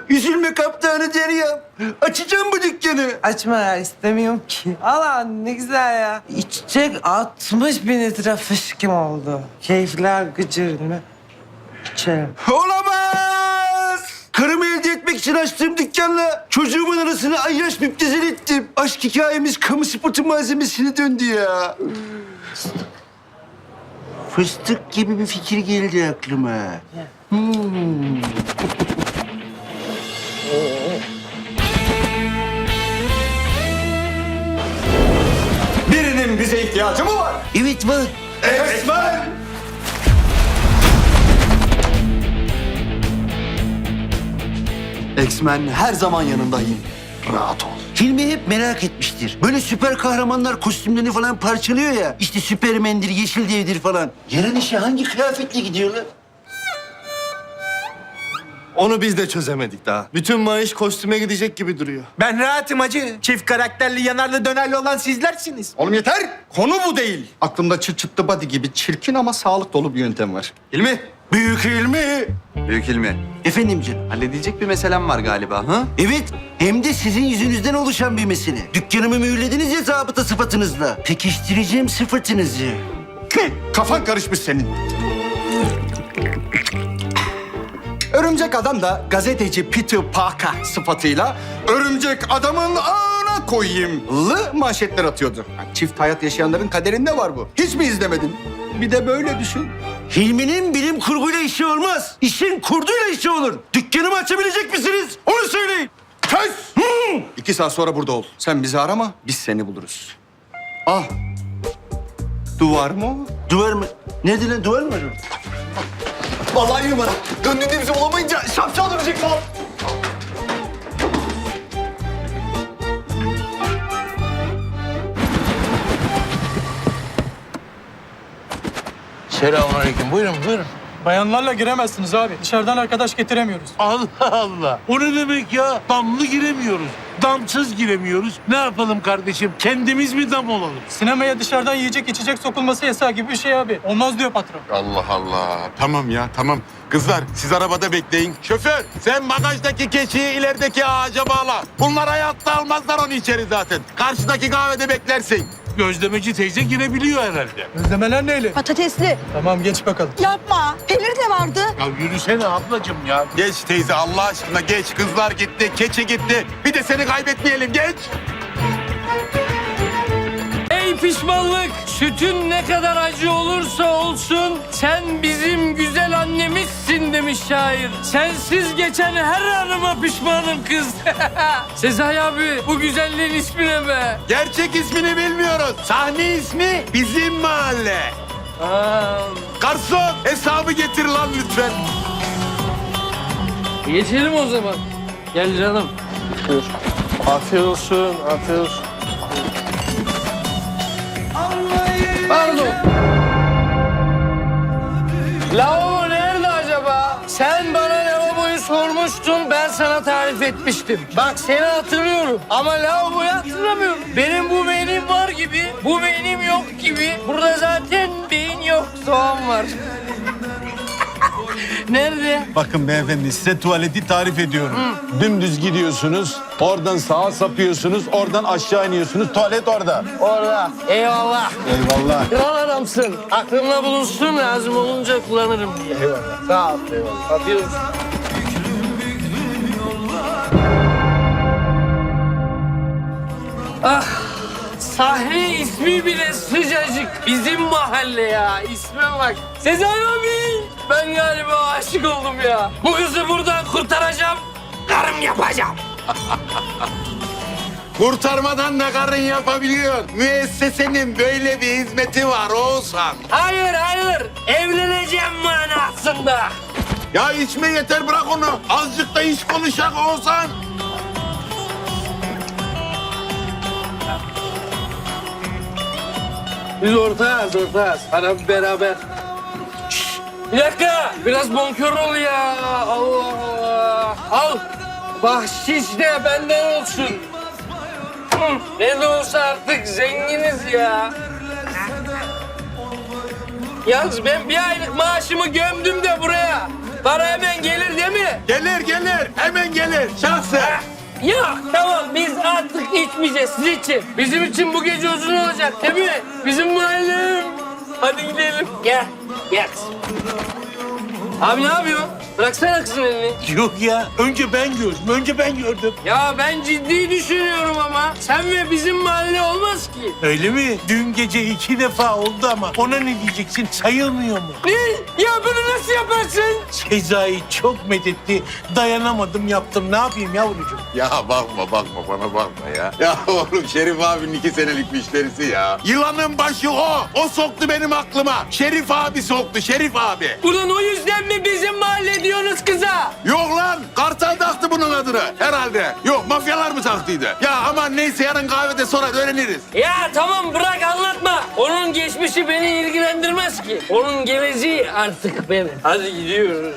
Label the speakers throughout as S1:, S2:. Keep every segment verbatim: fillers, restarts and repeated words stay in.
S1: Üzülme kaptanı Derya. Açacağım bu dükkanı.
S2: Açma ya, istemiyorum ki. Allah ne güzel ya. İçecek altmış bin litre fışkım oldu. Keyifler gıcır mı? İçerim.
S1: Olamaz! Karımı elde etmek için açtığım dükkanla çocuğumun arasını ayyaş müptezel ettim. Aşk hikayemiz kamu spotu malzemesine döndü ya. Fıstık gibi bir fikir geldi aklıma. Hmm.
S3: Birinin bize ihtiyacı mı var?
S1: Evet var.
S3: Esmer! X-Men her zaman yanındayım. Rahat ol.
S1: Hilmi hep merak etmiştir. Böyle süper kahramanlar kostümlerini falan parçalıyor ya. İşte Süpermen'dir, Yeşil Dev'dir falan. Yarın işe hangi kıyafetle gidiyorlar?
S4: Onu biz de çözemedik daha. Bütün maaş kostüme gidecek gibi duruyor.
S5: Ben rahatım hacı. Çift karakterli, yanarlı dönerli olan sizlersiniz.
S3: Oğlum yeter! Konu bu değil. Aklımda çıt çıtlı body gibi çirkin ama sağlık dolu bir yöntem var.
S4: İlmi.
S1: Büyük Hilmi.
S6: Büyük ilmi.
S1: Efendim canım.
S6: Halledecek bir meselem var galiba. Ha?
S1: Evet, hem de sizin yüzünüzden oluşan bir mesele. Dükkanımı mühürlediniz ya zabıta sıfatınızla. Pekiştireceğim sıfatınızı.
S3: Kafan karışmış senin. Örümcek Adam da gazeteci Peter Parker sıfatıyla örümcek adamın ağına koyayım lı manşetler atıyordu. Yani çift hayat yaşayanların kaderinde var bu. Hiç mi izlemedin? Bir de böyle düşün.
S1: Hilmi'nin bilim kurguyla işi olmaz. İşin kurduyla işi olur. Dükkanımı açabilecek misiniz? Onu söyleyin.
S3: Kes! İki saat sonra burada ol. Sen bizi arama, biz seni buluruz. Ah! Duvar mı o?
S1: Duvar mı? Nerede lan? Duvar mı var orada?
S3: Vallahi numara. Döndüğünde bizi bulamayınca şapşal dönecek falan.
S7: Selamünaleyküm. Buyurun, buyurun.
S8: Bayanlarla giremezsiniz abi. Dışarıdan arkadaş getiremiyoruz.
S7: Allah Allah. O ne demek ya? Damlı giremiyoruz. Damsız giremiyoruz. Ne yapalım kardeşim? Kendimiz mi dam olalım?
S8: Sinemaya dışarıdan yiyecek içecek sokulması yasağı gibi bir şey abi. Olmaz diyor patron.
S9: Allah Allah. Tamam ya, tamam. Kızlar, siz arabada bekleyin. Şoför, sen bagajdaki keçiyi ilerideki ağaca bağla. Bunlar hayatta almazlar onu içeri zaten. Karşıdaki kahvede beklersin.
S7: Gözlemeci teyze girebiliyor herhalde.
S8: Gözlemeler neyle?
S10: Patatesli.
S8: Tamam geç bakalım.
S10: Yapma. Peynir de vardı.
S7: Ya yürüsene ablacığım ya.
S9: Geç teyze, Allah aşkına geç. Kızlar gitti, keçi gitti. Bir de seni kaybetmeyelim, geç.
S11: Ey pişmanlık, sütün ne kadar acı olursa olsun sen bizim güzel annemizsin demiş şair. Sensiz geçen her anıma pişmanım kız. Sezai abi bu güzelliğin ismi ne be?
S9: Gerçek ismini bilmiyoruz. Sahne ismi Bizim Mahalle.
S11: Aa,
S9: Garson, hesabı getir lan lütfen.
S11: geçelim o zaman. Gel canım.
S4: Afiyet olsun, afiyet olsun.
S11: Pardon. Lavabo nerede acaba? Sen bana lavaboyu sormuştun, ben sana tarif etmiştim. Bak seni hatırlıyorum ama lavaboyu hatırlamıyorum. Benim bu beynim var gibi, bu beynim yok gibi. Burada zaten beyin yok, soğan var. Nerede?
S7: Bakın beyefendi size tuvaleti tarif ediyorum. Dümdüz gidiyorsunuz, oradan sağa sapıyorsunuz, oradan aşağı iniyorsunuz. Tuvalet orada.
S11: Orada. Eyvallah.
S7: Eyvallah.
S11: Kral adamsın. Aklımda bulunsun, lazım olunca kullanırım diye. Eyvallah. Sağ ol. Eyvallah. Atıyoruz. Ah, sahne ismi bile sıcacık. Bizim mahalle ya. İsme bak. Sezai abi. Ben galiba aşık oldum ya. Bu kızı buradan kurtaracağım. Karım yapacağım.
S9: Kurtarmadan da karın yapabiliyor. Müessesenin böyle bir hizmeti var Oğuzhan.
S11: Hayır hayır. Evleneceğim manasında.
S9: Ya içme yeter, bırak onu. Azıcık da iş konuşak Oğuzhan.
S11: Biz ortağız ortağız. Hadi beraber. Şşş, bir dakika. Biraz bonkör ol ya. Allah Allah. Al. Bahşiş de benden olsun. Hı, ne de olsa artık zenginiz ya. Yalnız ben bir aylık maaşımı gömdüm de buraya. Para hemen gelir değil mi?
S9: Gelir gelir, hemen gelir. şahsen, şahsen.
S11: Ya tamam biz artık içmeyeceğiz siz için. Bizim için bu gece uzun olacak değil mi? Bizim mahallem. Hadi gidelim. Gel. Gel. Abi ne yapıyorsun? Bıraksana kızın elini.
S5: Yok ya. Önce ben gördüm. Önce ben gördüm.
S11: Ya ben ciddi düşünüyorum ama. Sen ve bizim mahalle olmaz ki.
S5: Öyle mi? Dün gece iki defa oldu ama ona ne diyeceksin? Sayılmıyor mu?
S11: Ne? Ya bunu nasıl yaparsın?
S5: Sezai çok methetti. Dayanamadım yaptım. Ne yapayım yavrucuğum?
S9: Ya bakma bakma bana bakma ya. Ya oğlum Şerif abinin iki senelik müşterisi ya. Yılanın başı o. O soktu benim aklıma. Şerif abi soktu Şerif abi.
S11: Ulan o yüzden mi bizim mahalle diyorsunuz kıza?
S9: Yok lan Kartal taktı bunun adını herhalde. Yok mafyalar mı taktıydı? Ya aman neyse yarın kahvede sonra öğreniriz.
S11: Ya tamam bırak anlatma. Onun geçmişi beni ilgilendirmez ki. Onun geleceği artık benim. Hadi gidiyoruz.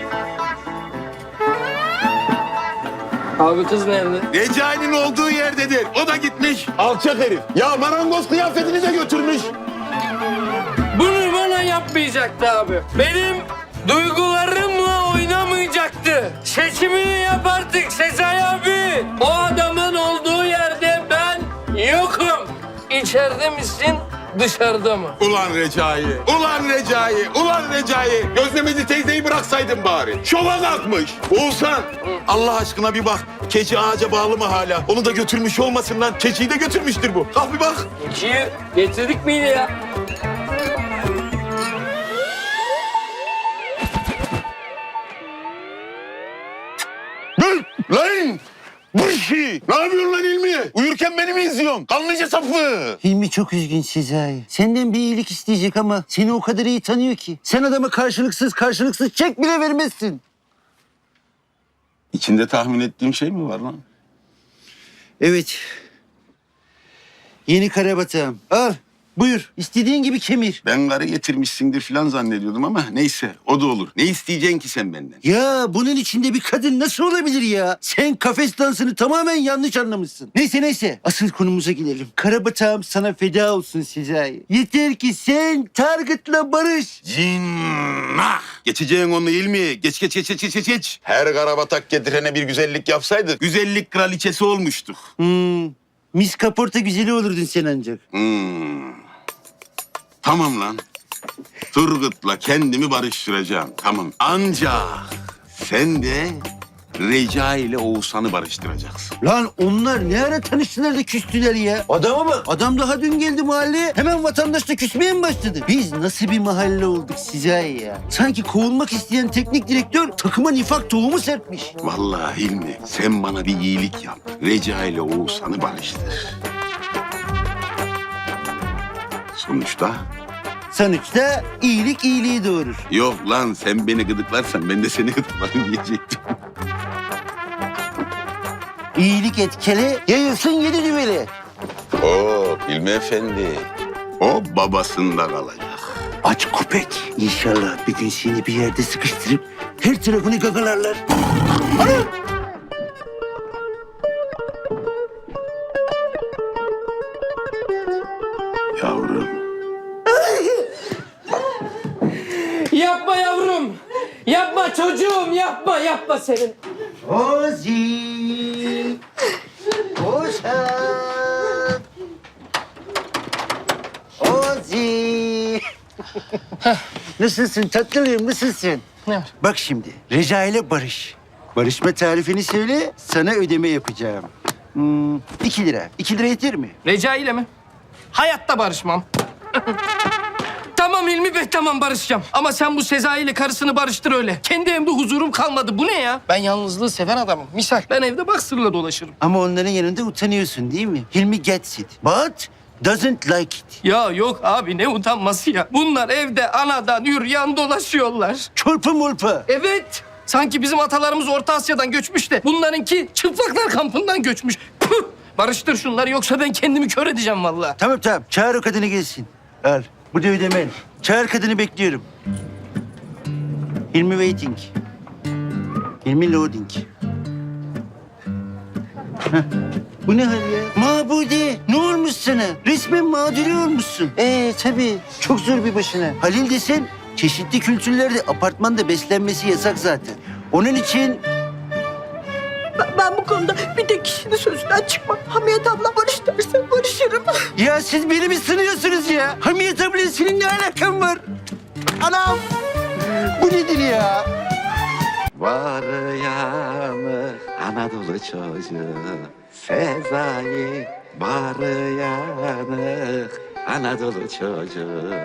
S11: Abi kız nerede?
S9: Recai'nin olduğu yerdedir. O da gitmiş. Alçak herif. Ya marangoz kıyafetini de götürmüş.
S11: Bunu bana yapmayacaktı abi. Benim duygularımla oynamayacaktı. Seçimini yap artık Sezai abi. O adamın olduğu yerde ben yokum. İçeride misin, dışarıda mı?
S9: Ulan Recai, ulan Recai, ulan Recai. Gözlemeci teyzeyi bıraksaydın bari. Şova kalkmış. Oğuzhan, Allah aşkına bir bak. Keçi ağaca bağlı mı hala? Onu da götürmüş olmasın lan. Keçiyi de götürmüştür bu. Kalk bir bak.
S11: İkiyi getirdik miydi ya?
S9: Dur lan! Bu işi! Ne yapıyorsun lan İlmi? Uyurken beni mi izliyorsun? Kanlıca sapı!
S1: Hilmi çok üzgün Sezai. Senden bir iyilik isteyecek ama seni o kadar iyi tanıyor ki. Sen adama karşılıksız karşılıksız çek bile vermezsin.
S9: İçinde tahmin ettiğim şey mi var lan?
S1: Evet. Yeni karabatağım. Al. Buyur. İstediğin gibi kemir.
S9: Ben karı getirmişsindir falan zannediyordum ama neyse o da olur. Ne isteyeceksin ki sen benden?
S1: Ya bunun içinde bir kadın nasıl olabilir ya? Sen kafes dansını tamamen yanlış anlamışsın. Neyse neyse. Asıl konumuza gidelim. Karabatağım sana feda olsun Sezai. Yeter ki sen Target'la barış.
S9: Cinnah! Geçeceğin onu İlmi. Geç geç geç geç geç geç. Her karabatak getirene bir güzellik yapsaydık güzellik kraliçesi olmuştuk.
S1: Hmm. Miss Kaporta güzeli olurdun sen ancak.
S9: Hmm. Tamam lan. Turgut'la kendimi barıştıracağım. Tamam. Ancak sen de Recai ile Oğuzhan'ı barıştıracaksın.
S1: Lan onlar ne ara tanıştılar da küstüler ya? Adama bak. Adam daha dün geldi mahalleye. Hemen vatandaşla küsmeye mi başladı? Biz nasıl bir mahalle olduk size ya? Sanki kovulmak isteyen teknik direktör takıma nifak tohumu serpmiş.
S9: Vallahi Hilmi sen bana bir iyilik yap. Recai ile Oğuzhan'ı barıştır. Sonuçta
S1: Sonuçta iyilik iyiliği doğurur.
S9: yok lan sen beni gıdıklarsan ben de seni gıdıklarım diyecektim.
S1: İyilik etkili, yayılsın yedi düveli.
S9: Oo Hilmi Efendi. O babasında kalacak.
S1: Aç köpek. İnşallah bir gün seni bir yerde sıkıştırıp her tarafını gagalarlar. Ana!
S9: Yavrum.
S11: Yapma yavrum. Yapma çocuğum yapma yapma senin.
S1: Ozi. Oşan. Ozi. Nasılsın tatlılığım, nasılsın?
S11: Ne var?
S1: Bak şimdi, Reca ile barış. Barışma tarifini söyle, sana ödeme yapacağım. Hmm, iki lira. İki lira yeter mi?
S11: Recai ile mi? Hayatta barışmam. Tamam Hilmi Bey tamam barışacağım. Ama sen bu Sezai ile karısını barıştır öyle. Kendi evimde huzurum kalmadı. Bu ne ya? Ben yalnızlığı seven adamım. Misal ben evde baksırla dolaşırım.
S1: Ama onların yanında utanıyorsun değil mi? Hilmi gets it, but doesn't like it.
S11: Ya yok abi ne utanması ya. Bunlar evde anadan yürüyen dolaşıyorlar.
S1: Çorpa molpa.
S11: Evet. Sanki bizim atalarımız Orta Asya'dan göçmüş de bunlarınki çıplaklar kampından göçmüş. Püh! Barıştır şunları yoksa ben kendimi kör edeceğim vallahi.
S1: Tamam tamam, çağır o kadını gelsin. Al, bu da ödemen. Çağır kadını bekliyorum. Hilmi waiting. Hilmi loading. Heh. Bu ne hal ya? Mabude, ne olmuş sana? Resmen mağduri olmuşsun. Ee tabii, çok zor bir başına. Halil desen, çeşitli kültürlerde apartmanda beslenmesi yasak zaten. Onun için
S10: Bu konuda bir tek kişinin sözünden çıkma. Hamiyet abla barış derse barışırım.
S1: Ya siz beni mi sınıyorsunuz ya? Hamiyet abla senin ne alakan var? Anam! Bu nedir ya?
S12: Var yanı Anadolu çocuğu Sezai var yanı Anadolu çocuğu